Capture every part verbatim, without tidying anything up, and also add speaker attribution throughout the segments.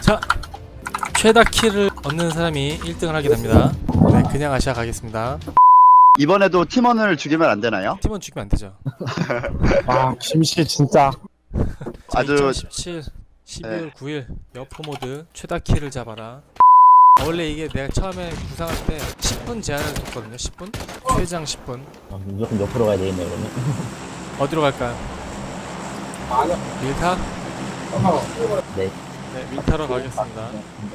Speaker 1: 자, 최다 킬을 얻는 사람이 일 등을 하게 됩니다. 네, 그냥 아시아 가겠습니다.
Speaker 2: 이번에도 팀원을 죽이면 안 되나요?
Speaker 1: 팀원 죽이면 안 되죠.
Speaker 3: 아 김씨 진짜
Speaker 1: 자,
Speaker 2: 아주-
Speaker 1: 이천십칠 십이월
Speaker 2: 네.
Speaker 1: 구일 여포 모드 최다 킬을 잡아라. 원래 이게 내가 처음에 구상할 때 십 분 제한을 뒀거든요. 십 분? 최장 십 분.
Speaker 4: 아, 무조건 옆으로 가야 되겠네 그러면.
Speaker 1: 어디로 갈까요? 밀타?
Speaker 4: 네.
Speaker 1: 네, 밀타로 가겠습니다.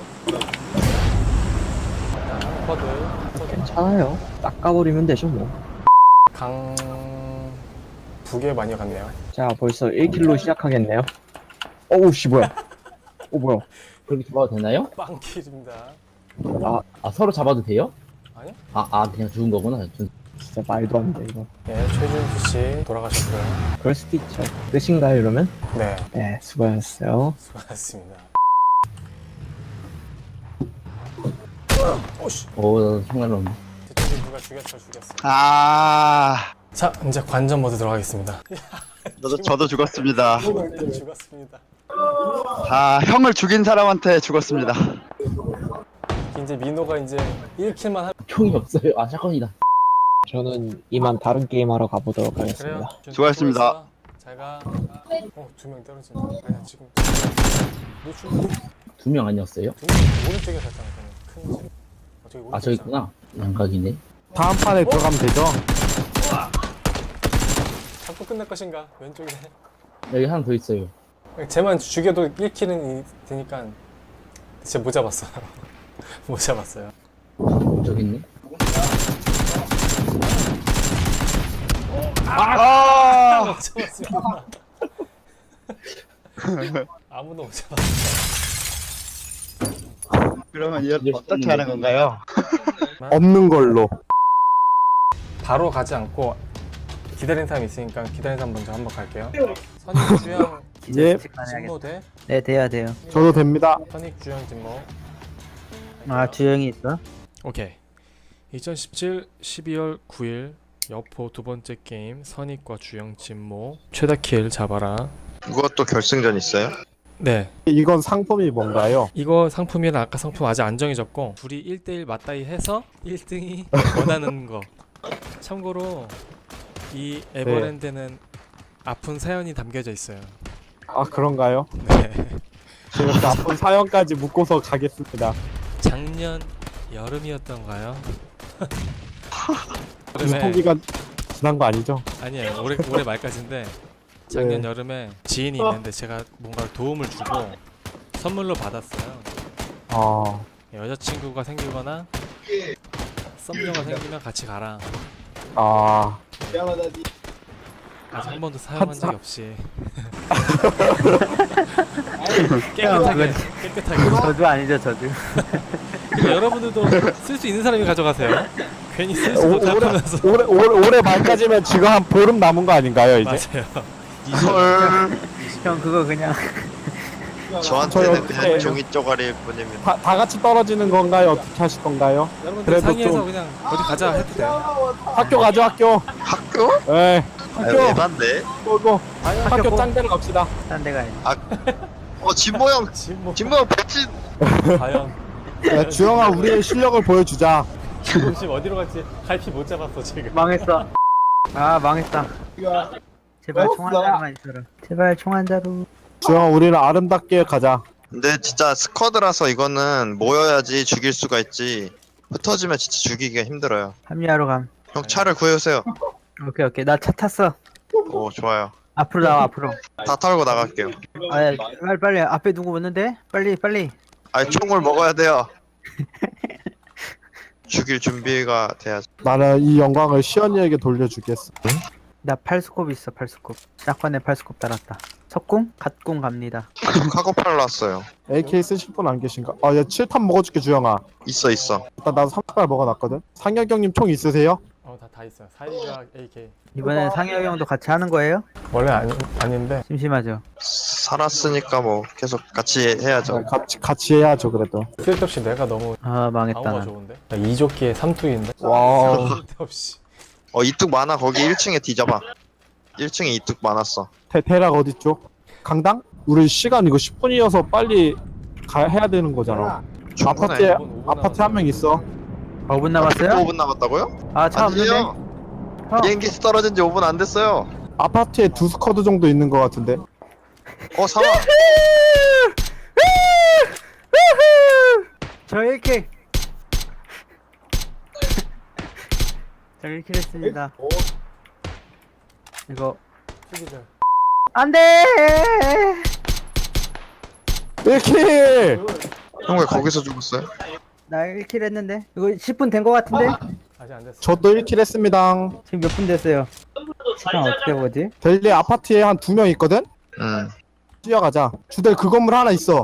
Speaker 1: 쿼드.
Speaker 5: 괜찮아요. 닦아버리면 되죠 뭐.
Speaker 1: 강... 북에 많이 갔네요.
Speaker 5: 자 벌써 일 킬로 시작하겠네요. 어우 씨 뭐야. 어 뭐야.
Speaker 4: 그렇게 잡아도 되나요?
Speaker 1: 빵킬입니다.
Speaker 4: 아 서로 잡아도 돼요?
Speaker 1: 아니요?
Speaker 4: 아, 아 그냥 죽은 거구나. 전-
Speaker 5: 진짜 말도 안 돼 이거.
Speaker 1: 예, 최준수씨 돌아가셨고요.
Speaker 5: 그럴 수도 있죠. 끝인가요 이러면?
Speaker 1: 네,
Speaker 5: 네 수고하셨어요.
Speaker 1: 수고하셨습니다.
Speaker 4: 오 정말로.
Speaker 1: 저쪽에 누가 죽였어 죽였어.
Speaker 2: 아,
Speaker 1: 자, 이제 관전 모드 들어가겠습니다.
Speaker 2: 저도, 저도 죽었습니다.
Speaker 1: 죽었습니다.
Speaker 2: 다 형을 죽인 사람한테 죽었습니다.
Speaker 1: 이제 민호가 이제 일 킬만 하...
Speaker 4: 총이 없어요. 아 샷건이다.
Speaker 5: 저는 이만 다른 게임 하러 가보도록
Speaker 1: 그래요?
Speaker 5: 하겠습니다.
Speaker 1: 준-
Speaker 2: 수고하셨습니다.
Speaker 1: 잘가. 어, 두 명 떨어진다. 아니야, 지금 노출
Speaker 4: 두 명 아니었어요?
Speaker 1: 두명 오른쪽에 갔잖아. 큰 집. 어, 저기
Speaker 4: 아 저기
Speaker 1: 오른쪽
Speaker 4: 있구나. 양각이네.
Speaker 3: 다음 판에 들어가면 되죠?
Speaker 1: 잡고 끝날 것인가? 왼쪽에.
Speaker 4: 여기 하나 더 있어요.
Speaker 1: 쟤만 죽여도 일 킬은 되니까 진짜 못 잡았어. 못 잡았어요.
Speaker 4: 저기 있네.
Speaker 2: 아,
Speaker 1: 못 잡았습니다. 아무도 못 잡았어.
Speaker 2: 그러면 이거 어떻게 하는 건가요?
Speaker 3: 없는 걸로.
Speaker 1: 바로 가지 않고 기다리는 사람이 있으니까 기다리는 사람 먼저 한번 갈게요. 선익 주영
Speaker 3: 예,
Speaker 1: 진모 대
Speaker 6: 네, 돼야 돼요.
Speaker 3: 저도 됩니다.
Speaker 1: 선익 주영 진모.
Speaker 6: 아, 주영이 있어?
Speaker 1: 오케이. 이천십칠 십이월 구일 여포 두 번째 게임 선익과 주영 진모 최다 킬 잡아라.
Speaker 7: 그것도 결승전 있어요?
Speaker 1: 네,
Speaker 3: 이건 상품이 뭔가요?
Speaker 1: 이거 상품이랑 아까 상품 아직 안 정해졌고 둘이 일 대 일 맞다이 해서 일 등이 원하는 거. 참고로 이 에버랜드는 아픈 사연이 담겨져 있어요.
Speaker 3: 아 그런가요?
Speaker 1: 네.
Speaker 3: 제가 그 아픈 사연까지 묻고서 가겠습니다.
Speaker 1: 작년 여름이었던가요? 여름에
Speaker 3: 유통기간 지난 거 아니죠?
Speaker 1: 아니에요. 올해 올해 말까지인데 작년
Speaker 3: 네.
Speaker 1: 여름에 지인이 있는데 제가 뭔가 도움을 주고 선물로 받았어요.
Speaker 3: 아
Speaker 1: 여자친구가 생기거나 썸녀가 생기면 같이 가라.
Speaker 3: 아,
Speaker 1: 아직 한 번도 사용한 적이 없이
Speaker 6: 형,
Speaker 1: 깨끗하게 깨끗하게.
Speaker 6: 저주 아니죠, 저주.
Speaker 1: 그러니까 여러분들도 쓸 수 있는 사람이 가져가세요. 괜히 쓸
Speaker 3: 오,
Speaker 1: 수도
Speaker 3: 올해,
Speaker 1: 답하면서.
Speaker 3: 올해, 올해, 올해 말까지면 지금 한 보름 남은 거 아닌가요 이제?
Speaker 1: 맞아요.
Speaker 7: 헐.
Speaker 6: 형, 그거 그냥.
Speaker 3: 저희
Speaker 7: 저한테는
Speaker 3: 어떻게
Speaker 7: 그냥
Speaker 3: 해요?
Speaker 7: 종이 쪼가리일 뿐입니다.
Speaker 3: 다, 다 같이 떨어지는 건가요? 어떻게 하실 건가요?
Speaker 1: 여러분들
Speaker 3: 그래도
Speaker 1: 상의해서
Speaker 3: 좀-
Speaker 1: 그냥 어디 가자 해도 돼요.
Speaker 3: 학교 가죠 학교.
Speaker 7: 학교?
Speaker 3: 네,
Speaker 7: 아,
Speaker 3: 학교.
Speaker 7: 에반데?
Speaker 3: 고고. 학교
Speaker 6: 고.
Speaker 3: 짱대로 갑시다.
Speaker 6: 딴 데 가야지.
Speaker 7: 어, 진모 형!
Speaker 1: 진모
Speaker 7: 진모 형 백진!
Speaker 1: 과연
Speaker 3: 야, 주영아 우리의 실력을 보여주자.
Speaker 1: 지금 지금 어디로 갈지 갈피 못 잡았어 지금.
Speaker 6: 망했어. 아, 망했다. 제발 총 한 자루만 있어라. 제발 총 한 자루.
Speaker 3: 주영아 우리는 아름답게 가자.
Speaker 7: 근데 진짜 스쿼드라서 이거는 모여야지 죽일 수가 있지. 흩어지면 진짜 죽이기가 힘들어요.
Speaker 6: 합류하러 감.
Speaker 7: 형 차를 구해오세요.
Speaker 6: 오케이, 오케이. 나 차 탔어.
Speaker 7: 오, 좋아요.
Speaker 6: 앞으로 나와, 앞으로.
Speaker 7: 다 털고 나갈게요.
Speaker 6: 아, 야, 빨리, 빨리. 앞에 누구 오는데? 빨리, 빨리.
Speaker 7: 아니, 총을 먹어야 돼요. 죽일 준비가 돼야지.
Speaker 3: 나는 이 영광을 시연이에게 돌려주겠어.
Speaker 6: 나 팔스콥 있어, 팔스콥. 샷건에 팔스콥 달았다. 석궁? 갓궁 갑니다.
Speaker 7: 카고팔 났어요.
Speaker 3: 에이케이 쓰실 분 안 계신가? 아, 야, 칠 탄 먹어줄게, 주영아.
Speaker 7: 있어, 있어.
Speaker 3: 일단 나도 삼 발 먹어놨거든. 상혁경님 총 있으세요?
Speaker 1: 어다 다 있어요. 사이가 에이케이.
Speaker 6: 이번엔 상혁이 형도 같이 하는 거예요?
Speaker 1: 원래 아니 아닌데
Speaker 6: 심심하죠?
Speaker 7: 살았으니까 뭐 계속 같이 해야죠.
Speaker 3: 아, 같이, 같이 해야죠, 그래도.
Speaker 1: 쓸데없이 내가 너무
Speaker 6: 아, 망했다.
Speaker 1: 방어가
Speaker 6: 난.
Speaker 1: 좋은데. 나 이조끼에 삼투인데.
Speaker 3: 와우.
Speaker 1: 쓸데없이.
Speaker 7: 어, 이뚝 많아. 거기 일 층에 뒤져봐. 일 층에 이뚝 많았어.
Speaker 3: 테, 테락 어딨죠? 강당? 우리 시간 이거 십 분이어서 빨리 가 해야 되는 거잖아.
Speaker 7: 충분해.
Speaker 3: 아파트에
Speaker 1: 오 분, 오 분
Speaker 3: 아파트 한 명 있어.
Speaker 6: 오 분 남았어요?
Speaker 7: 오 분 남았다고요?
Speaker 6: 아, 차 없는데?
Speaker 7: 아니에요.
Speaker 6: 형.
Speaker 7: 비행기 떨어진 지 오 분 안 됐어요.
Speaker 3: 아파트에 두 스쿼드 정도 있는 것 같은데.
Speaker 7: 어 사망.
Speaker 6: 저 일 킬. 저 일 킬 했습니다. 이거
Speaker 1: 수기절.
Speaker 6: 안돼.
Speaker 3: 일 킬.
Speaker 7: 형 왜 거기서 죽었어요?
Speaker 6: 나 일 킬 했는데 이거 십 분 된 거 같은데?
Speaker 1: 아직 안 됐어.
Speaker 3: 저도 일 킬 했습니다.
Speaker 6: 지금 몇 분 됐어요? 시간 어떻게 보지?
Speaker 3: 델리 아파트에 한 두 명 있거든.
Speaker 7: 응.
Speaker 3: 뛰어가자. 주델 그 건물 하나 있어.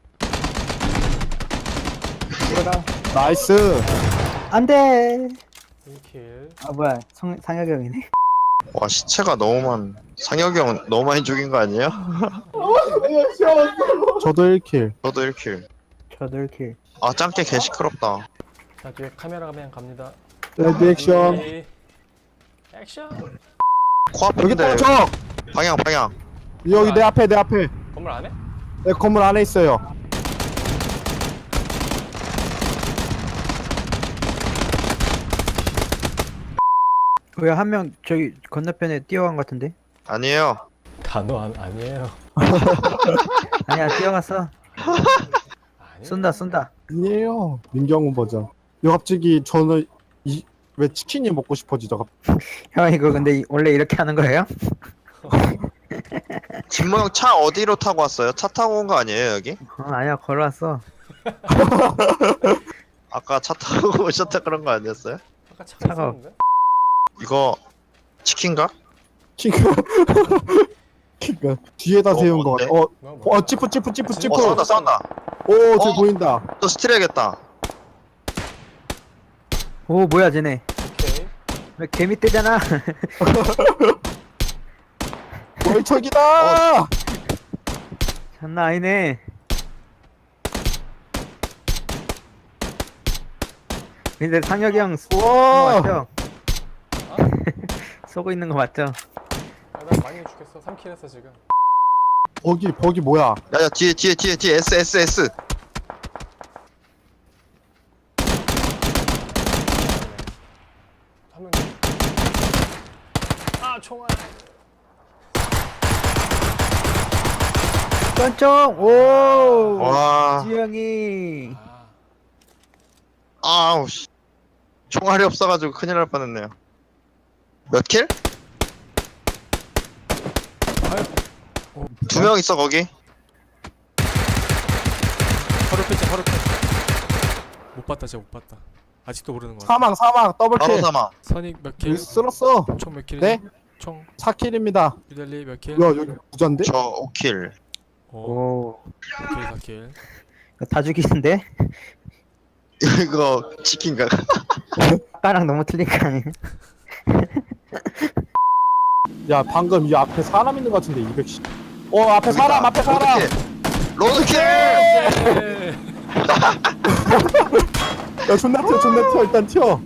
Speaker 6: 들어가.
Speaker 3: 나이스.
Speaker 6: 안돼.
Speaker 1: 일 킬.
Speaker 6: 아 뭐야 성, 상혁이 형이네.
Speaker 7: 와 시체가 너무 많. 상혁이 형 너무 많이 죽인 거 아니에요?
Speaker 3: 저도 일 킬.
Speaker 7: 저도 일 킬.
Speaker 6: 저도 일 킬.
Speaker 7: 아 짱깨 개 시끄럽다.
Speaker 1: 자 뒤에 카메라가 그냥 갑니다.
Speaker 3: 레디 액션.
Speaker 1: 준비. 액션.
Speaker 3: 여기
Speaker 7: 코앞인데
Speaker 3: 또 적.
Speaker 7: 방향 방향.
Speaker 3: 여기 내 앞에 내 앞에.
Speaker 1: 건물 안에?
Speaker 3: 내 건물 안에 있어요.
Speaker 6: 왜 한 명 저기 건너편에 뛰어간 것 같은데?
Speaker 7: 아니에요.
Speaker 1: 단어 안 아니에요.
Speaker 6: 아니야 뛰어갔어.
Speaker 1: 아니.
Speaker 6: 쏜다 쏜다.
Speaker 3: 아니에요. 민경훈 버전. 요 갑자기 저는 이 왜 치킨이 먹고 싶어지죠? 갑-
Speaker 6: 형 이거 근데 이- 원래 이렇게 하는 거예요?
Speaker 7: 진모 형 차 어디로 타고 왔어요? 차 타고 온 거 아니에요 여기?
Speaker 6: 어 아니야 걸어왔어.
Speaker 7: 아까 차 타고 오셨다 그런 거 아니었어요?
Speaker 1: 아까 차가
Speaker 6: 차가
Speaker 1: 있었는데?
Speaker 7: 이거 치킨가?
Speaker 3: 키가 키가 뒤에다
Speaker 7: 어,
Speaker 3: 세운 거
Speaker 7: 어때?
Speaker 3: 같아. 어,
Speaker 1: 뭐야, 뭐야.
Speaker 3: 어 찌푸 찌푸 찌푸 찌푸.
Speaker 7: 어 싸운다 싸운다.
Speaker 3: 오, 저
Speaker 7: 어.
Speaker 3: 보인다.
Speaker 7: 또 스틸해야겠다.
Speaker 6: 오 뭐야 쟤네.
Speaker 1: 오케이.
Speaker 6: 왜 개미 떼잖아.
Speaker 3: 월척이다.
Speaker 6: 장난 아니네. 근데 상혁이 형 쏘- 쏘는 거
Speaker 3: 와.
Speaker 6: 맞죠? 쏘고 있는 거 맞죠?
Speaker 1: 아, 나 많이 죽겠어. 삼 킬 했어 지금.
Speaker 3: 버기 버기 뭐야?
Speaker 7: 야야 뒤에 뒤에 뒤에 뒤에 S S S.
Speaker 1: 한 명. 아 총알.
Speaker 6: 쫀쫑! 오!
Speaker 7: 와.
Speaker 6: 지영이.
Speaker 1: 아.
Speaker 7: 아우 씨. 총알이 없어가지고 큰일 날 뻔했네요. 몇 킬? 두 명 있어 거기.
Speaker 1: 허리 뺐지 허리 뺐. 못 봤다 진짜 못 봤다. 아직도 모르는 거 같아.
Speaker 3: 사망 사망 더블
Speaker 7: 바로
Speaker 3: 킬.
Speaker 7: 사망.
Speaker 1: 선익 몇 킬?
Speaker 3: 여기 쓸었어.
Speaker 1: 총 몇 킬이지?
Speaker 3: 네?
Speaker 1: 총
Speaker 3: 사 킬입니다.
Speaker 1: 유달리 몇 킬?
Speaker 3: 야 여기 부자인데?
Speaker 7: 저 오 킬.
Speaker 1: 오.
Speaker 6: 오.
Speaker 1: 오 킬 사 킬.
Speaker 6: 이거 다 죽이는데?
Speaker 7: 이거 치킨가?
Speaker 6: 아까랑 너무 틀린 거 아니야?
Speaker 3: 야 방금 이 앞에 사람 있는 거 같은데 이백십. 어 앞에 사람 앞에 사람.
Speaker 7: 로드킬.
Speaker 1: 예.
Speaker 3: 야 존나 튀어 존나 튀어 일단 튀어.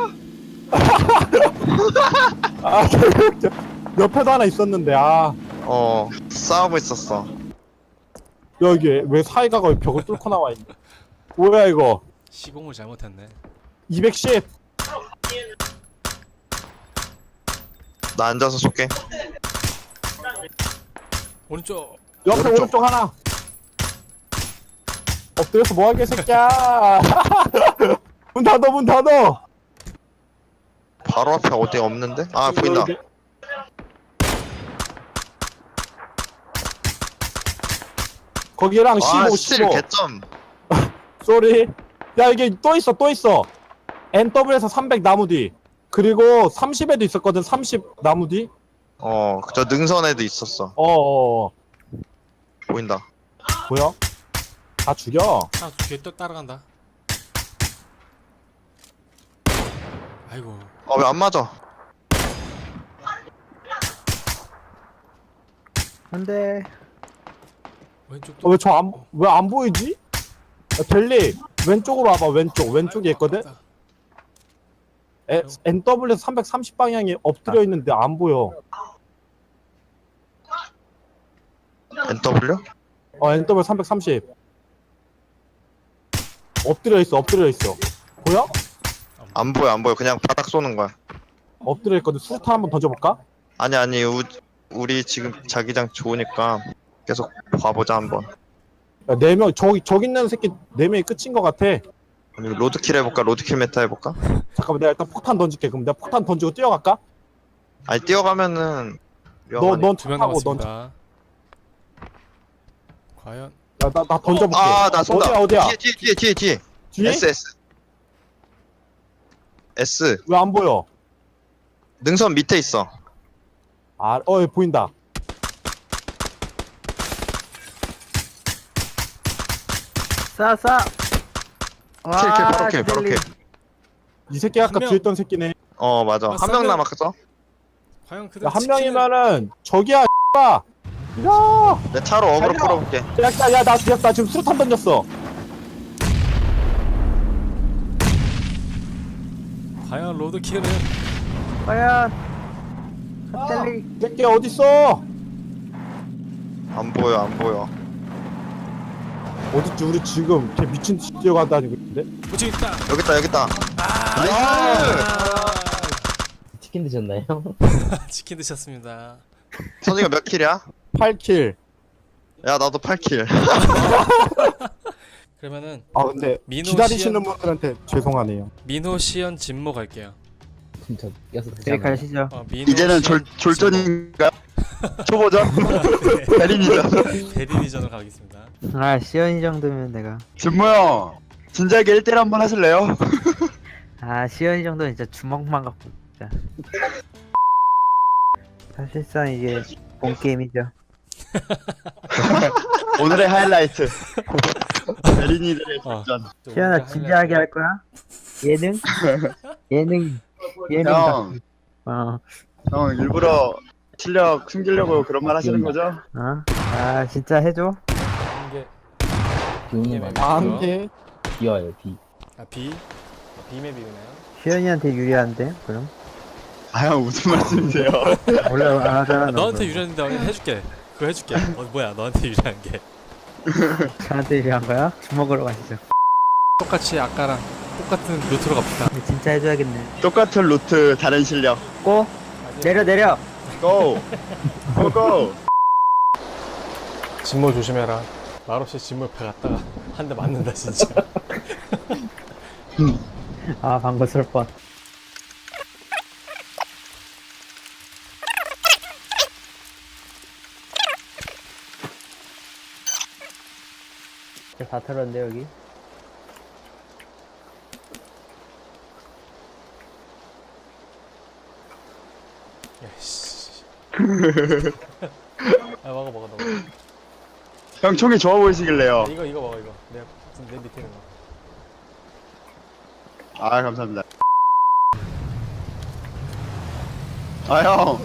Speaker 3: 아 개웃겨. 옆에도 하나 있었는데 아
Speaker 7: 어 싸우고 있었어.
Speaker 3: 여기 왜 사이가가 벽을 뚫고 나와 있네. 뭐야 이거?
Speaker 1: 시공을 잘못했네.
Speaker 3: 이백십.
Speaker 7: 나 앉아서 쏠게.
Speaker 1: 오른쪽.
Speaker 3: 옆에
Speaker 7: 오른쪽.
Speaker 3: 오른쪽, 하나. 엎드려서 뭐하게 새끼야. 문 닫어 문 닫어.
Speaker 7: 바로 앞에 어디 없는데? 아 보인다.
Speaker 3: 여기. 거기랑
Speaker 7: 아
Speaker 3: 십오
Speaker 7: 스틸
Speaker 3: 십오.
Speaker 7: 개점.
Speaker 3: 쏘리. 야 이게 또 있어 또 있어. 엔더블에서 삼백 나무 뒤. 그리고 삼십에도 있었거든. 삼십 나무 뒤.
Speaker 7: 어저 능선에도 있었어.
Speaker 3: 어어.
Speaker 7: 보인다.
Speaker 3: 뭐야? 다 죽여.
Speaker 1: 아 뒤에 또 따라간다. 아이고.
Speaker 7: 어 왜 안 맞아?
Speaker 6: 안돼.
Speaker 1: 왼쪽도.
Speaker 3: 어, 왜 저 안 왜 안 보이지? 야, 델리 왼쪽으로 와봐. 왼쪽 왼쪽에 있거든. 에, 엔더블에서 삼백삼십 방향이 엎드려 있는데 안 보여.
Speaker 7: 엔 더블유?
Speaker 3: 어 엔더블 삼백삼십. 엎드려 있어 엎드려 있어. 보여?
Speaker 7: 안 보여 안 보여. 그냥 바닥 쏘는 거야.
Speaker 3: 엎드려 있거든. 수류탄 한번 던져볼까?
Speaker 7: 아니 아니 우, 우리 지금 자기장 좋으니까 계속 봐보자 한번.
Speaker 3: 야, 네 명 저기 저기 있는 새끼 네 명이 끝인 것 같아.
Speaker 7: 아니, 로드킬 해볼까? 로드킬 메타 해볼까?
Speaker 3: 잠깐만 내가 일단 폭탄 던질게. 그럼 내가 폭탄 던지고 뛰어갈까?
Speaker 7: 아니 뛰어가면은 위험하니.
Speaker 3: 너넌
Speaker 1: 두 명
Speaker 3: 타고 넌.
Speaker 1: 남았습니다. 과연
Speaker 3: 나, 나, 나 던져볼게.
Speaker 7: 아나 쏜다.
Speaker 3: 어디야 어디야?
Speaker 7: 뒤에 뒤에 뒤에 뒤에 뒤에.
Speaker 3: 뒤에?
Speaker 7: S S. S.
Speaker 3: 왜 안 보여?
Speaker 7: 능선 밑에 있어.
Speaker 3: 아, 어, 여기 보인다.
Speaker 6: 쏴 쏴.
Speaker 7: 킬, 킬, 바로 킬, 바로 킬.
Speaker 3: 이 새끼 아까
Speaker 1: 한 명.
Speaker 3: 뒤에 있던 새끼네.
Speaker 7: 어 맞아.
Speaker 1: 아,
Speaker 7: 한 명
Speaker 1: 쏘면-
Speaker 7: 남았어.
Speaker 1: 과연 그대로
Speaker 3: 야, 한
Speaker 1: 지키는-
Speaker 3: 명이면은 저기야. 야,
Speaker 7: 내 차로 어그로
Speaker 3: 달려.
Speaker 7: 끌어볼게.
Speaker 3: 야, 야, 야, 나, 야, 나 지금 수류탄 던졌어.
Speaker 1: 과연 로드킬은
Speaker 6: 과연
Speaker 3: 아,
Speaker 6: 핫델리.
Speaker 3: 이 새끼 어디 있어?
Speaker 7: 안 보여 안 보여.
Speaker 3: 어딨지? 우리 지금 걔 미친 듯이 뛰어가다니고 있는데.
Speaker 1: 무지 있다.
Speaker 7: 여기 있다 여기 있다.
Speaker 1: 아,
Speaker 7: 나이스.
Speaker 4: 치킨 드셨나요?
Speaker 1: 치킨 드셨습니다.
Speaker 7: 선이가 몇 킬이야?
Speaker 3: 팔 킬.
Speaker 7: 야 나도 팔 킬.
Speaker 1: 그러면은
Speaker 3: 아, 근데
Speaker 1: 민호
Speaker 3: 기다리시는
Speaker 1: 씨는-
Speaker 3: 분들한테 죄송하네요.
Speaker 1: 민호 시연 진모 갈게요.
Speaker 4: 진짜 껴서
Speaker 6: 네
Speaker 4: 드셨나요?
Speaker 6: 가시죠.
Speaker 1: 어, 민호
Speaker 2: 이제는 졸,
Speaker 1: 시연
Speaker 2: 졸전인가요? 초보전?
Speaker 1: 진모.
Speaker 2: 대리니전?
Speaker 1: 네, 대리니전으로 가겠습니다.
Speaker 6: 아 시연이 정도면 내가.
Speaker 2: 진모 형 진작에 일 대일 한번 하실래요?
Speaker 6: 아 시연이 정도는 진짜 주먹만 갖고 진짜. 사실상 이게 본 게임이죠.
Speaker 2: 오늘의 하이라이트 대리니들의
Speaker 1: 어.
Speaker 2: 졸전.
Speaker 6: 시연아 진지하게 할 거야? 예능? 예능. 예능.
Speaker 2: 형,
Speaker 6: 어.
Speaker 2: 형 일부러 실력 숨기려고 그런 말 하시는 거죠?
Speaker 6: 어? 아 진짜 해줘.
Speaker 1: 이게
Speaker 4: 비 오는 거
Speaker 1: 맵.
Speaker 4: 아니에요?
Speaker 3: 안 돼.
Speaker 4: 비 와요 비.
Speaker 1: 아 B B맵이 오나요?
Speaker 6: 시연이한테 유리한데 그럼?
Speaker 2: 아 형 무슨 말씀이세요?
Speaker 6: 원래 안 하잖아. 너
Speaker 1: 너한테
Speaker 6: 그럼.
Speaker 1: 유리한데 오늘 해줄게. 그거 해줄게. 어 뭐야 너한테 유리한 게.
Speaker 6: 저한테 유리한 거야? 주먹으로 가시죠.
Speaker 1: 똑같이 아까랑 똑같은 루트로 갑시다.
Speaker 6: 근데 진짜 해줘야겠네.
Speaker 2: 똑같은 루트 다른 실력.
Speaker 6: 고 내려 내려.
Speaker 2: 고! 고 고!
Speaker 1: 진모 조심해라. 말없이 진모 옆에 갔다가 한 대 맞는다 진짜.
Speaker 6: 아 방금 쓸 뻔. 다 털었는데 여기.
Speaker 1: 야씨. 아 먹어 먹어 먹어.
Speaker 2: 형 총이 좋아 보이시길래요.
Speaker 1: 이거 이거 먹어 이거. 내, 내 밑에 있는 거.
Speaker 2: 아 감사합니다. 아 형.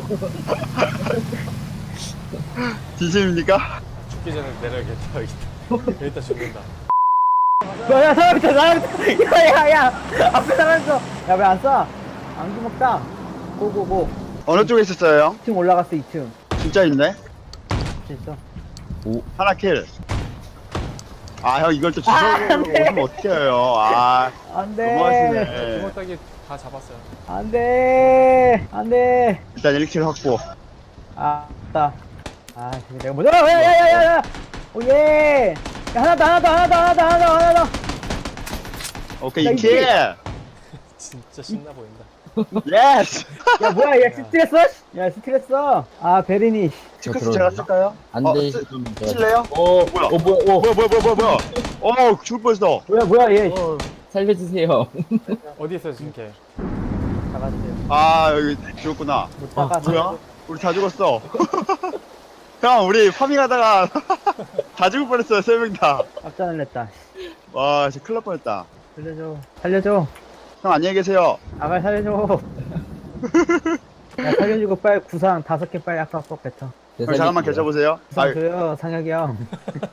Speaker 2: 진심입니까?
Speaker 1: 죽기 전에 내려야겠다 여기다. 여기다 죽는다.
Speaker 6: 야야 사람 있다 사람 있다. 야야야 앞에 사람 있어. 야 왜 안 쏴? 안기 먹다. 고고고.
Speaker 2: 어느 쪽에 있었어요 형?
Speaker 6: 이 층 올라갔어 이 층.
Speaker 2: 진짜 있네.
Speaker 6: 됐어.
Speaker 2: 하나 킬. 아 형 이걸 또 주워오면 어떻게 해요? 아
Speaker 6: 안돼.
Speaker 2: 너무하시네.
Speaker 1: 주먹따기 다 잡았어요.
Speaker 6: 안돼. 안돼.
Speaker 2: 일단 일 킬 확보.
Speaker 6: 아, 맞다. 아, 지금 내가 먼저. 야, 야, 야, 야, 야. 오 예. 야, 하나 더, 하나 더, 하나 더, 하나 더, 하나 더, 하나 더.
Speaker 2: 오케이
Speaker 6: 나
Speaker 2: 이 킬.
Speaker 1: 진짜 신나 보인다.
Speaker 2: 예스.
Speaker 6: 야, 뭐야, 얘 스트레스? 야, 스트레스. 아, 베리니.
Speaker 2: 체크스 제가 쓸까요?
Speaker 4: 안
Speaker 2: 어,
Speaker 4: 되실 거면 제가
Speaker 2: 칠래요?
Speaker 4: 어,
Speaker 2: 뭐야?
Speaker 4: 어 뭐야 어,
Speaker 2: 뭐야 뭐야 뭐야 뭐야 뭐야? 어 죽을 뻔했어.
Speaker 6: 뭐야, 뭐야, 얘.
Speaker 4: 어 살려주세요.
Speaker 1: 어디 있어요 지금 걔?
Speaker 6: 잡았어요.
Speaker 2: 아 여기 죽었구나.
Speaker 6: 못
Speaker 4: 아,
Speaker 6: 잡았어.
Speaker 2: 뭐야? 우리 다 죽었어. 형 우리 파밍하다가 다 죽을 뻔했어요 세 명 다.
Speaker 6: 깜짝 놀랐다.
Speaker 2: 와 진짜 큰일 날 뻔했다.
Speaker 6: 살려줘. 살려줘.
Speaker 2: 형 안녕히 계세요.
Speaker 6: 아, 빨리 살려줘. 야, 살려주고 빨리 구상 다섯 개 빨리 아까 꼭 뱉어.
Speaker 2: 형 잠깐만 계셔보세요.
Speaker 6: 구상
Speaker 2: 아
Speaker 6: 줘요, 상혁이 형.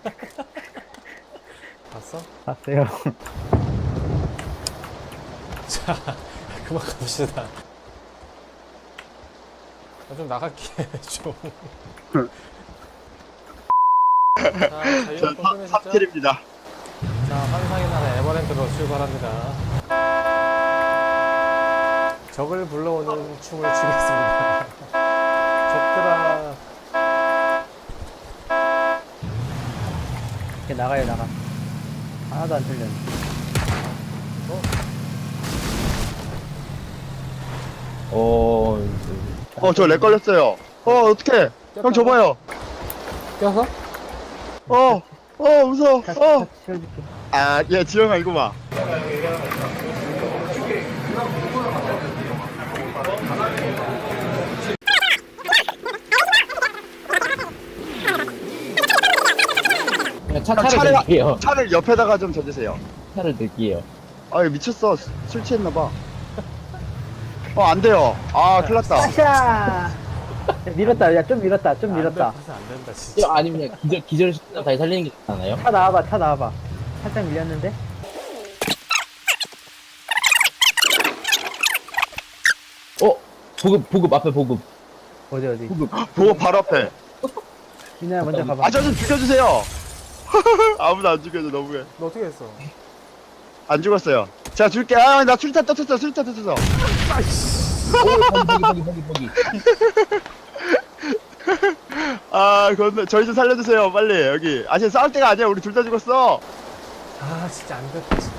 Speaker 1: 봤어?
Speaker 6: 봤어요.
Speaker 1: 자 그만 갑시다. 나 좀 나갈게 좀. 자 자유형
Speaker 2: 저
Speaker 1: 궁금해졌죠?
Speaker 2: 탑 킬입니다.
Speaker 1: 자, 환상의 나라 에버랜드로 출발합니다. 적을 불러오는 춤을 추겠습니다. 적들아.
Speaker 6: 이렇게 나가요, 나가. 하나도 안 틀렸네.
Speaker 4: 어,
Speaker 2: 어, 저 렉 걸렸어요. 어, 어떡해. 형 줘봐요.
Speaker 1: 껴서?
Speaker 2: 어, 어, 무서워.
Speaker 6: 차,
Speaker 2: 어.
Speaker 6: 차 치워줄게.
Speaker 2: 아, 야, 지영아, 이거 봐.
Speaker 4: 그냥 차,
Speaker 2: 형,
Speaker 4: 차를
Speaker 2: 차를,
Speaker 4: 넣을게요.
Speaker 2: 차를 옆에다가 좀 져주세요.
Speaker 4: 차를 넣을게요.
Speaker 2: 아, 이거 미쳤어. 수- 술 취했나봐. 어, 안 돼요. 아, 큰일 났다.
Speaker 6: 아샤! 야, 밀었다, 야, 좀 밀었다, 좀 밀었다.
Speaker 1: 그래서 안 된다, 진짜.
Speaker 4: 이거 아니면 기절, 기절 시키면 다시 살리는 게 낫나요?
Speaker 6: 차 나와봐, 차 나와봐. 살짝 밀렸는데?
Speaker 4: 어? 보급, 보급, 앞에 보급.
Speaker 6: 어디, 어디.
Speaker 2: 보고 바로 앞에.
Speaker 6: 민호야, 먼저 가봐.
Speaker 2: 아, 저 좀 죽여주세요. 아무도 안 죽여줘, 너무해.
Speaker 1: 너 어떻게 했어?
Speaker 2: 안 죽었어요. 제가 줄게. 아, 나 술탄 떴었어, 술탄 떴었어.
Speaker 4: 오, 거기, 거기, 거기, 거기, 거기.
Speaker 2: 아, 건너, 저희 좀 살려주세요, 빨리. 여기. 아, 지금 싸울 때가 아니야. 우리 둘 다 죽었어.
Speaker 1: 아, 진짜 안 됐다, 진짜.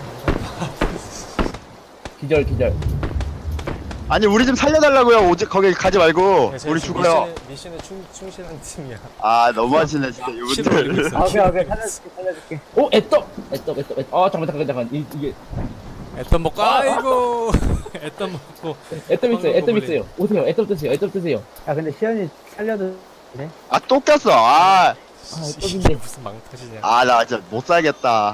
Speaker 4: 기절, 기절.
Speaker 2: 아니, 우리 좀 살려달라고요. 오직 거기 가지 말고. 우리 죽어요.
Speaker 1: 미션에, 미션에 충, 충실한 팀이야.
Speaker 2: 아, 너무하시네, 진짜,
Speaker 1: 시도 올리고
Speaker 2: 이분들.
Speaker 1: 있어.
Speaker 6: 아, 오케이, 오케이. 살려줄게, 살려줄게.
Speaker 4: 오, 애떡! 애떡, 애떡, 애떡. 아, 잠깐, 잠깐, 잠깐. 이, 이게.
Speaker 1: 애떤 먹고, 아이고! 애떤 먹고.
Speaker 4: 애떡 있어요, 애떡
Speaker 1: 걸리네.
Speaker 4: 있어요. 오세요, 애떡 드세요, 애떡 드세요.
Speaker 6: 야, 근데 시연이 살려도 돼?
Speaker 2: 아, 또 꼈어. 아,
Speaker 4: 아, 애떡인데.
Speaker 1: 무슨 망타시냐.
Speaker 2: 아, 나 진짜 못 살겠다.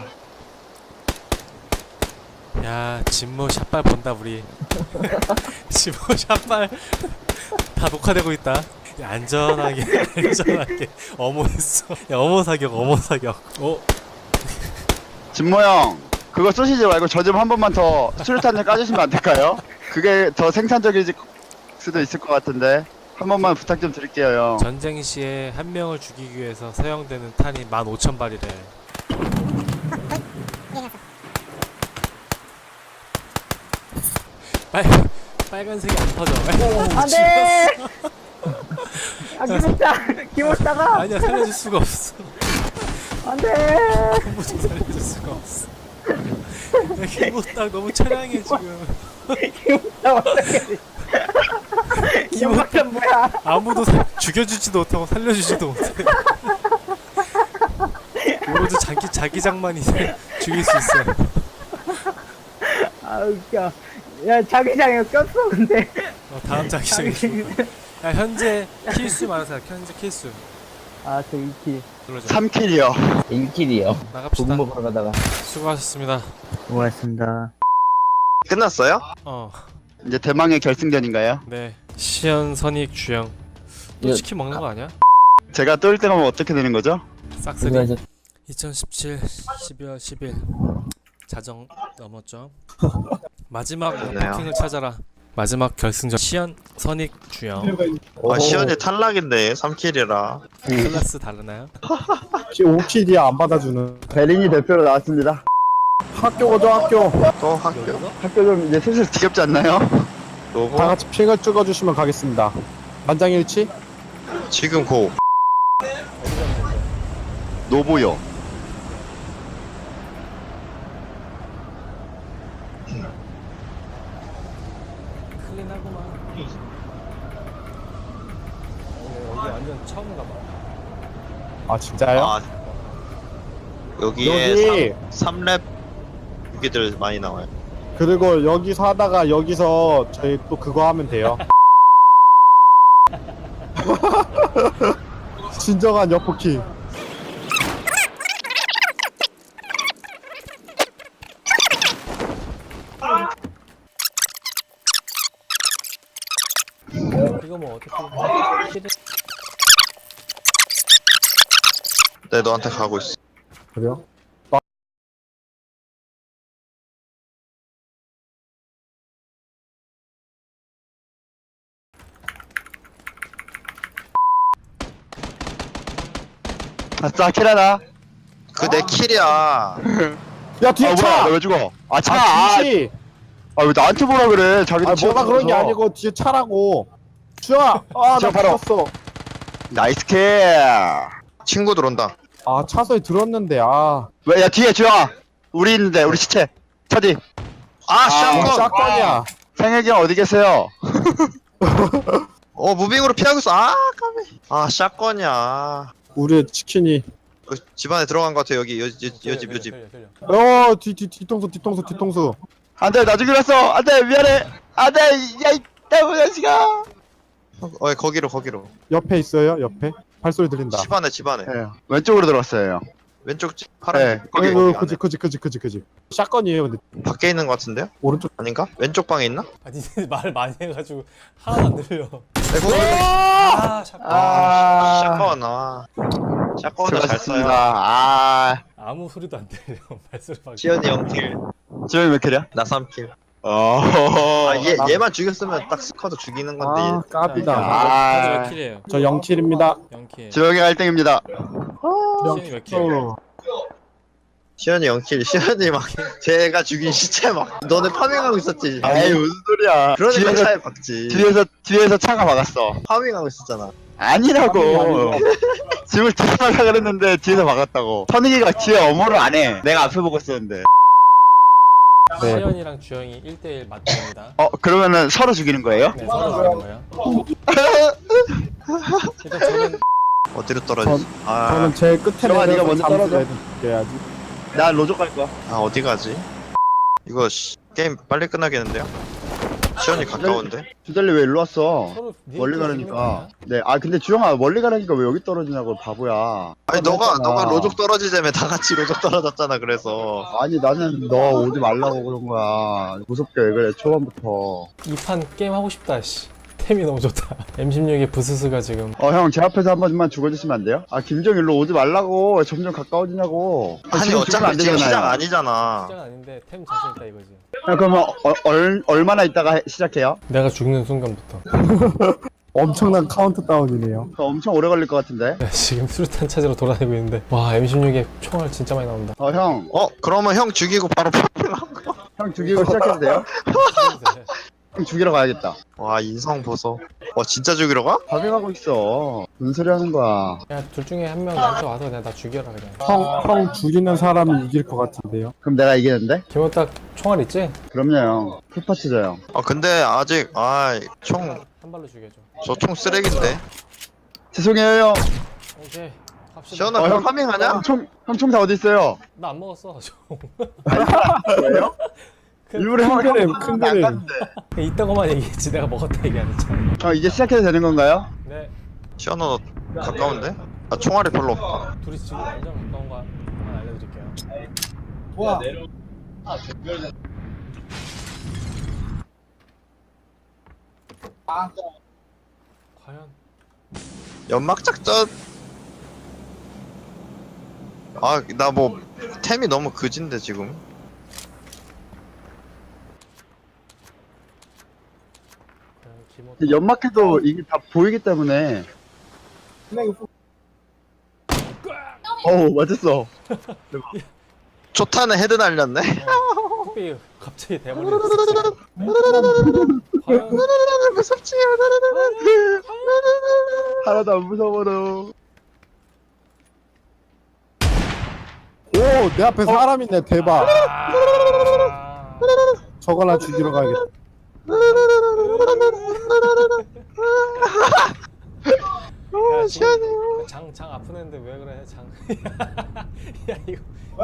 Speaker 1: 야, 진모 샷발 본다, 우리. 진모 샷발. 다 녹화되고 있다. 야, 안전하게, 안전하게. 어머 했어. 야, 어머 사격, 어머 사격. 어?
Speaker 2: 진모 형, 그거 쏘시지 말고 저 좀 한 번만 더 수류탄을 까주시면 안 될까요? 그게 더 생산적일 수도 있을 것 같은데. 한 번만 부탁 좀 드릴게요, 형.
Speaker 1: 전쟁 시에 한 명을 죽이기 위해서 사용되는 탄이 만 오천 발이래. 빨, 빨간색이 안 터져.
Speaker 6: 안 돼! 아, 기모따! 기모따가!
Speaker 1: 아니야, 살려줄 수가 없어.
Speaker 6: 안 돼!
Speaker 1: 아무도 살려줄 수가 없어. 야, 기모딱 너무 처량해 지금.
Speaker 6: 기모따 어떡해. 기모따 뭐야?
Speaker 1: 아무도 사, 죽여주지도 못하고 살려주지도 못해. 오로지 자기 자기장만이 죽일 수 있어.
Speaker 6: 아, 웃겨. 야, 자기장에 꼈어, 근데.
Speaker 1: 어, 다음 자기장이 죽을 거야. 야, 현재 킬수 많으세요. 현재 킬수.
Speaker 6: 아, 저 이 킬.
Speaker 1: 눌러줘.
Speaker 2: 삼 킬이요.
Speaker 4: 일 킬이요.
Speaker 1: 나갑시다.
Speaker 4: 보급 먹으러 가다가.
Speaker 1: 수고하셨습니다.
Speaker 6: 고맙습니다.
Speaker 7: 끝났어요?
Speaker 1: 어,
Speaker 2: 이제 대망의 결승전인가요?
Speaker 1: 네. 시연, 선익, 주영. 또
Speaker 4: 이거-
Speaker 1: 치킨 먹는 거 아니야?
Speaker 2: 제가 또 일 등 하면 어떻게 되는 거죠?
Speaker 1: 싹쓸이.
Speaker 4: 그래서
Speaker 1: 이천십칠 십이월 십일 자정 넘었죠. 마지막
Speaker 7: 그러네요.
Speaker 1: 버킹을 찾아라. 마지막 결승전 시연, 선익, 주영.
Speaker 7: 아, 시연이 탈락인데 삼 킬이라.
Speaker 1: 클래스 다르나요?
Speaker 3: 혹시 오 킬이야 안 받아주는.
Speaker 2: 베린이 대표로 나왔습니다.
Speaker 3: 학교 가죠 학교.
Speaker 7: 또 학교?
Speaker 2: 학교 좀 이제 슬슬 지겹지 않나요?
Speaker 7: 노고?
Speaker 3: 다 같이 핑을 찍어주시면 가겠습니다. 만장일치?
Speaker 7: 지금 고.
Speaker 2: 노보요.
Speaker 1: 클린하구만. 어, 여기 완전 처음인가 봐.
Speaker 3: 아 진짜요?
Speaker 7: 아, 여기에
Speaker 3: 여기
Speaker 7: 삼 렙 무기들 많이 나와요.
Speaker 3: 그리고 여기서 하다가 여기서 저희 또 그거 하면 돼요. 진정한 여포키.
Speaker 1: 이거 뭐 어떻게 킬이
Speaker 7: 네, 너한테 가고 있어.
Speaker 3: 그래요?
Speaker 2: 아싸, 킬하나?
Speaker 7: 그 내 킬이야.
Speaker 3: 야 뒤에
Speaker 2: 아 뭐야
Speaker 3: 차!
Speaker 2: 너 왜 죽어? 아 차!
Speaker 3: 아
Speaker 2: 아,
Speaker 3: 뒤지!
Speaker 2: 아 왜 나한테 뭐라 그래 자기도
Speaker 3: 아 뭐가 그런 게
Speaker 2: 치워서.
Speaker 3: 아니고 뒤에 차라고. 주영아! 아나
Speaker 2: 저 바로.
Speaker 3: 죽었어.
Speaker 2: 나이스 킬.
Speaker 7: 친구 들어온다.
Speaker 3: 아 차소리 들었는데 아.
Speaker 2: 왜, 야 뒤에 주영아 우리 있는데 우리 시체 차디.
Speaker 7: 아,
Speaker 3: 뭐
Speaker 7: 샷건!
Speaker 3: 샷건이야.
Speaker 2: 상혁이 형 어디 계세요?
Speaker 7: 어, 무빙으로 피하고 있어. 아, 까비. 아, 샷건이야.
Speaker 3: 우리 치킨이.
Speaker 7: 어, 집 안에 들어간 것 같아, 여기. 여, 여, 여집, 여집.
Speaker 1: 틀려, 틀려, 틀려.
Speaker 3: 어, 뒤, 뒤, 뒤통수, 뒤통수, 뒤통수.
Speaker 2: 안돼 나 죽이랬어 안돼 미안해 안돼 야이 때문에 자식아.
Speaker 7: 어, 거기로, 거기로.
Speaker 3: 옆에 있어요, 옆에. 발소리 들린다.
Speaker 7: 집 안에, 집 안에.
Speaker 2: 네, 왼쪽으로 들어왔어요.
Speaker 7: 왼쪽 집, 파란
Speaker 2: 네.
Speaker 7: 집. 거기,
Speaker 3: 어,
Speaker 7: 거기
Speaker 3: 그지,
Speaker 7: 안에.
Speaker 3: 그지, 그지, 그지, 그지. 샷건이에요, 근데.
Speaker 7: 밖에 있는 것 같은데요?
Speaker 3: 오른쪽.
Speaker 7: 아닌가? 왼쪽 방에 있나?
Speaker 1: 아 니네 말 많이 해가지고 하나도 안 들려.
Speaker 7: 네, 거기.
Speaker 1: 아 샷건.
Speaker 2: 아
Speaker 7: 샷건, 아. 샷건을 잘 써요.
Speaker 2: 아
Speaker 1: 아무 소리도 안 들려. 발소리밖에.
Speaker 7: 시연이 영 킬.
Speaker 2: 지영이 몇 킬이야?
Speaker 7: 나 삼 킬.
Speaker 2: 어.
Speaker 7: 아, 얘, 얘만 죽였으면 딱 스쿼드 죽이는 건데.
Speaker 3: 아, 깝이다.
Speaker 2: 아.
Speaker 1: 다들 몇 킬이에요?
Speaker 3: 저 영 킬입니다.
Speaker 1: 영 킬.
Speaker 2: 지영이가 일 등입니다.
Speaker 1: 시현이 몇 킬?
Speaker 3: 어.
Speaker 7: 시연이 영 킬. 시연이 막, 제가 죽인 시체 막, 너네 파밍하고 있었지.
Speaker 2: 에이 무슨 소리야?
Speaker 7: 그러니까
Speaker 2: 뒤에서
Speaker 7: 차에 박지.
Speaker 2: 뒤에서 뒤에서 차가 막았어.
Speaker 7: 파밍하고 있었잖아.
Speaker 2: 아니라고.
Speaker 3: 아니,
Speaker 2: 집을 들어가려 그랬는데 뒤에서 막았다고. 선익이가 뒤에 어모를 안 해. 내가 앞에 보고 있었는데.
Speaker 3: 네.
Speaker 1: 시현이랑 주영이 일 대일 맞대입니다.
Speaker 2: 어 그러면은 서로 죽이는 거예요?
Speaker 1: 네 서로 죽이는 거예요. 일단 저는
Speaker 7: 어디로 떨어지지? 아,
Speaker 3: 저는 제일 끝에
Speaker 2: 정아, 네가 먼저 떨어져.
Speaker 3: 해야지.
Speaker 2: 나 로족 갈 거야.
Speaker 7: 아 어디 가지? 이거 씨, 게임 빨리 끝나겠는데요? 시연이 가까운데?
Speaker 2: 주달리 왜 일로 왔어?
Speaker 1: 서로 니네
Speaker 2: 멀리
Speaker 1: 또
Speaker 2: 가라니까. 네, 아 근데 주영아 멀리 가라니까 왜 여기 떨어지냐고 바보야.
Speaker 7: 아니 너가
Speaker 2: 했잖아.
Speaker 7: 너가 로족 떨어지자며 다 같이 로족 떨어졌잖아. 그래서
Speaker 2: 아니 나는 너 오지 말라고 그런 거야. 무섭게 왜 그래 초반부터.
Speaker 1: 이 판 게임 하고 싶다. 씨. 템이 너무 좋다. 엠 십육의 부스스가 지금
Speaker 2: 어 형 제 앞에서 한 번만 죽어주시면 안 돼요? 아 김정 일로 오지 말라고. 왜 점점 가까워지냐고. 아,
Speaker 7: 아니
Speaker 2: 지금 죽으면
Speaker 7: 어차피 지금 시작
Speaker 2: 되잖아요.
Speaker 7: 아니잖아.
Speaker 1: 시작 아닌데 템 자신 있다 이거지.
Speaker 2: 야, 그러면 어, 얼, 얼마나 있다가 해- 시작해요?
Speaker 1: 내가 죽는 순간부터.
Speaker 3: 엄청난 카운트다운이네요.
Speaker 2: 그거 엄청 오래 걸릴 것 같은데.
Speaker 1: 내가 지금 수류탄 찾으러 돌아다니고 있는데 와 엠 십육에 총알 진짜 많이 나온다.
Speaker 2: 어 형,
Speaker 7: 어 그러면 형 죽이고 바로 파밍하고.
Speaker 2: 형 죽이고 시작해도 돼요? 형 죽이러 가야겠다.
Speaker 7: 와 인성 보소. 와 진짜 죽이러 가?
Speaker 2: 파밍하고 있어. 무슨 소리 하는 거야?
Speaker 1: 야 둘 중에 한 명 나한테 와서 그냥 나 죽여라 그냥.
Speaker 3: 형, 형 죽이는 사람이 이길 것 같은데요.
Speaker 2: 그럼 내가 이기는데?
Speaker 1: 김호 딱 총알 있지?
Speaker 2: 그럼요 형. 풀파츠죠 형.
Speaker 7: 아 근데 아직 아총저 총
Speaker 1: 한 발로 죽여줘.
Speaker 7: 쓰레기인데.
Speaker 2: 죄송해요 형.
Speaker 1: 오케이. 갑시다.
Speaker 7: 시연아
Speaker 2: 어,
Speaker 7: 형
Speaker 2: 형.
Speaker 7: 파밍하냐?
Speaker 2: 형 총, 형 총 다 어디 있어요?
Speaker 1: 나 안 먹었어. 총.
Speaker 2: 왜요?
Speaker 1: 그-
Speaker 2: 일부러 형,
Speaker 3: 큰 그림,
Speaker 2: 형
Speaker 3: 큰
Speaker 2: 안
Speaker 3: 그림.
Speaker 2: 갔는데.
Speaker 1: 이따고만 얘기했지. 내가 먹었다 얘기 안 했잖아.
Speaker 2: 형 이제 시작해도 되는 건가요?
Speaker 1: 네.
Speaker 7: 시연아 너 가까운데? 아 총알이 별로 없다.
Speaker 1: 둘이 지금 완전 가까운 거 하나 알려드릴게요. 과연
Speaker 7: 연막 작전. 아 나 뭐 템이 너무 그진데 지금.
Speaker 1: 과연 김호
Speaker 2: 연막해도 이게 다 보이기 때문에. 어우 맞았어.
Speaker 7: 초탄에 헤드 날렸네.
Speaker 1: 삐 갑자기 대머리를 과연
Speaker 7: 무섭지.
Speaker 2: 하나도 안 무서워요.
Speaker 3: 오, 내 앞에 사람 있네. 대박.
Speaker 1: 아...
Speaker 3: 저거나 죽이러 가야겠다.
Speaker 1: 야, 지금 장, 장 아픈 애인데 왜 그래 장. 야 이거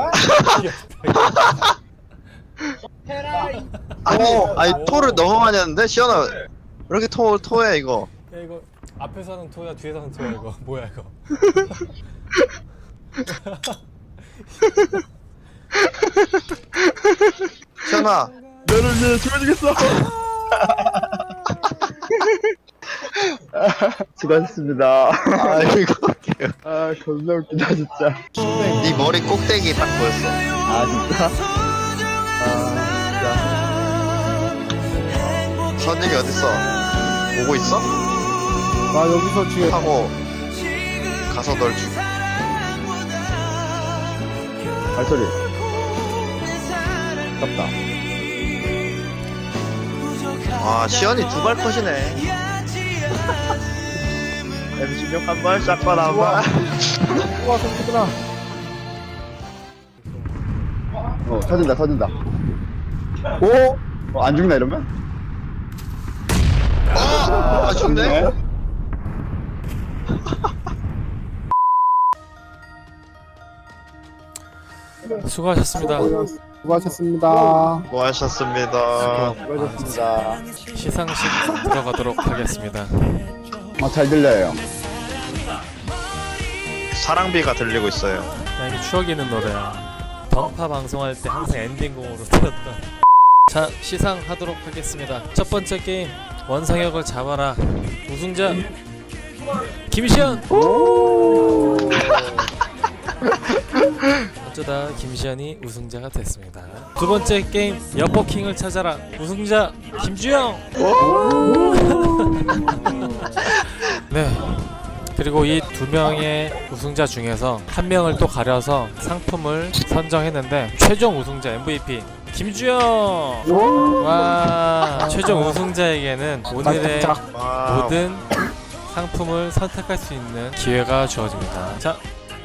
Speaker 7: 아니
Speaker 2: 어,
Speaker 7: 아니 토를 너무 많이 하는데 시연아 왜 이렇게 토 토해 이거.
Speaker 1: 야 이거 앞에서 하는 토야 뒤에서 하는 토야 이거 뭐야 이거.
Speaker 7: 시연아
Speaker 2: 너를 위해 죽어주겠어. 수고하셨습니다.
Speaker 7: 아 이거
Speaker 2: 아 겁나 웃기다 진짜.
Speaker 7: 네 머리 꼭대기 딱 보였어.
Speaker 2: 아 진짜? 아
Speaker 7: 선생이 어딨어? 오고 있어?
Speaker 3: 나 여기서 지금
Speaker 7: 하고 가서 널 죽.
Speaker 2: 발소리. 아깝다.
Speaker 7: 아 시연이 두 발 컷이네. 엠십육 한 발, 샷건 한 발.
Speaker 3: 우와 새끼들아.
Speaker 2: 어, 터진다, 터진다.
Speaker 3: 오.
Speaker 2: 어, 안 죽나 이러면?
Speaker 7: 아, 아 죽네.
Speaker 1: 수고하셨습니다.
Speaker 3: 수고하셨습니다.
Speaker 7: 뭐 하셨습니다.
Speaker 2: 수고하셨습니다.
Speaker 1: 시상식 들어가도록 하겠습니다.
Speaker 2: 어, 잘 들려요.
Speaker 7: 사랑비가 들리고 있어요.
Speaker 1: 야, 이게 추억 있는 노래야. 던파 방송할 때 항상 엔딩곡으로 틀었던. 자, 시상하도록 하겠습니다. 첫 번째 게임 원상혁을 잡아라. 우승자 김시현. 어쩌다 김시현이 우승자가 됐습니다. 두 번째 게임 여포킹을 찾아라. 우승자 김주영. 네. 그리고 이 두 명의 우승자 중에서 한 명을 또 가려서 상품을 선정했는데 최종 우승자 엠브이피 김주영. 와, 최종 우승자에게는 오늘의
Speaker 7: 와,
Speaker 1: 모든 상품을 선택할 수 있는 기회가 주어집니다. 자,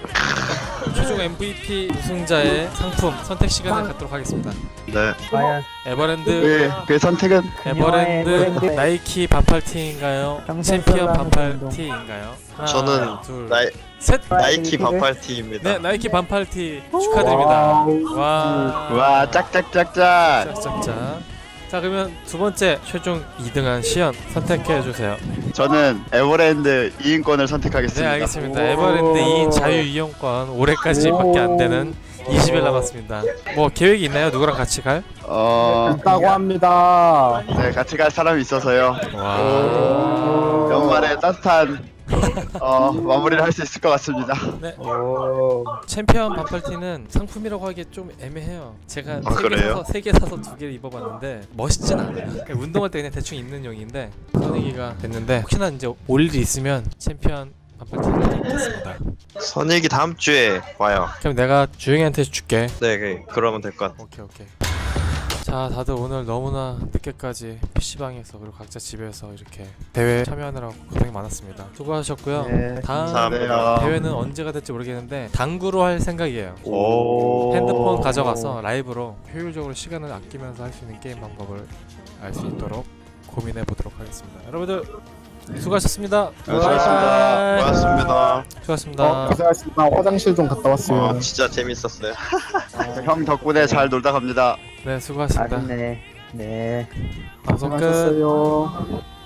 Speaker 1: 최종 엠브이피 우승자의 상품 선택 시간을 갖도록 하겠습니다.
Speaker 7: 네.
Speaker 6: 과연
Speaker 1: 에버랜드
Speaker 2: 그, 그 선택은
Speaker 1: 에버랜드
Speaker 6: 에버랜드.
Speaker 1: 나이키 반팔티인가요?
Speaker 6: 평생
Speaker 1: 챔피언
Speaker 6: 솔로 하는
Speaker 1: 반팔티인가요? 하나,
Speaker 7: 저는
Speaker 1: 둘,
Speaker 7: 나이,
Speaker 1: 셋.
Speaker 7: 나이키 반팔티입니다.
Speaker 1: 네, 나이키 반팔티 축하드립니다. 와,
Speaker 2: 와, 짝짝짝짝.
Speaker 1: 짝짝짝. 자, 그러면 두 번째 최종 이 등한 시연 선택해 주세요.
Speaker 2: 저는 에버랜드 이 인권을
Speaker 1: 네,
Speaker 2: 선택하겠습니다.
Speaker 1: 알겠습니다. 에버랜드 이 인 자유 이용권 올해까지밖에 안 되는 이십 일 남았습니다. 뭐 계획이 있나요? 누구랑 같이 갈?
Speaker 2: 어,
Speaker 3: 있다고 합니다.
Speaker 2: 네, 같이 갈 사람이 있어서요.
Speaker 1: 와.
Speaker 2: 연말에 따뜻한 어, 마무리를 할 수 있을 것 같습니다.
Speaker 1: 네. 챔피언 반팔티는 상품이라고 하기 좀 애매해요. 제가
Speaker 7: 아,
Speaker 1: 세 개
Speaker 7: 그래요?
Speaker 1: 사서 세 개 사서 두 개를 입어봤는데 멋있진 않아요. 그냥 운동할 때 그냥 대충 입는 용인데 선이기가 됐는데 혹시나 이제 올 일이 있으면 챔피언 반팔티를 입겠습니다.
Speaker 7: 선익이 다음 주에 와요.
Speaker 1: 그럼 내가 주영이한테 줄게.
Speaker 7: 네, 그- 그러면 될 것 같아요.
Speaker 1: 오케이 오케이. 자, 다들 오늘 너무나 늦게까지 피시방에서 그리고 각자 집에서 이렇게 대회 참여하느라고 고생이 많았습니다. 수고하셨고요.
Speaker 6: 네.
Speaker 1: 다음
Speaker 7: 감사합니다.
Speaker 1: 대회는 언제가 될지 모르겠는데 당구로 할 생각이에요.
Speaker 7: 오.
Speaker 1: 핸드폰 가져가서 라이브로 효율적으로 시간을 아끼면서 할 수 있는 게임 방법을 알 수 있도록 고민해 보도록 하겠습니다. 여러분들 수고하셨습니다.
Speaker 2: 수고하셨습니다.
Speaker 1: 바이바이.
Speaker 7: 고맙습니다.
Speaker 1: 수고하셨습니다.
Speaker 3: 어, 고생하셨습니다. 화장실 좀 갔다 왔어요.
Speaker 7: 어, 진짜 재밌었어요.
Speaker 2: 형 덕분에 잘 놀다 갑니다.
Speaker 1: 네, 수고하셨습니다.
Speaker 6: 아쉽네. 네.
Speaker 1: 방송 끝.
Speaker 3: 고생하셨어요.